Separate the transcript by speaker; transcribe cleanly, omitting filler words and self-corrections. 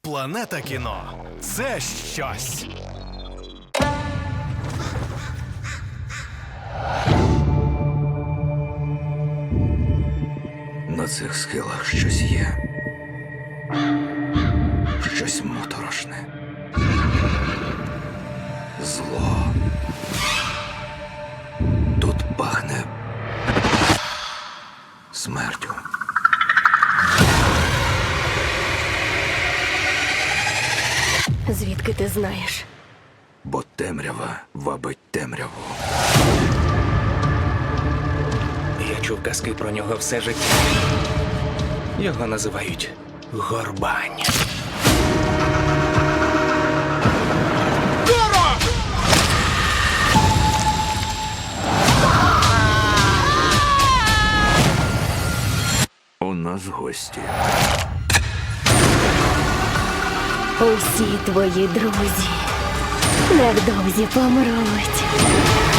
Speaker 1: Планета кіно – це щось.
Speaker 2: На цих схилах щось є. Щось моторошне. Зло. Тут пахне смертю.
Speaker 3: Звідки ти знаєш?
Speaker 2: Бо темрява вабить темряву.
Speaker 4: Я чув казки про нього все життя. Його називають Горбань.
Speaker 2: У нас гості.
Speaker 3: Усі твої друзі невдовзі помруть.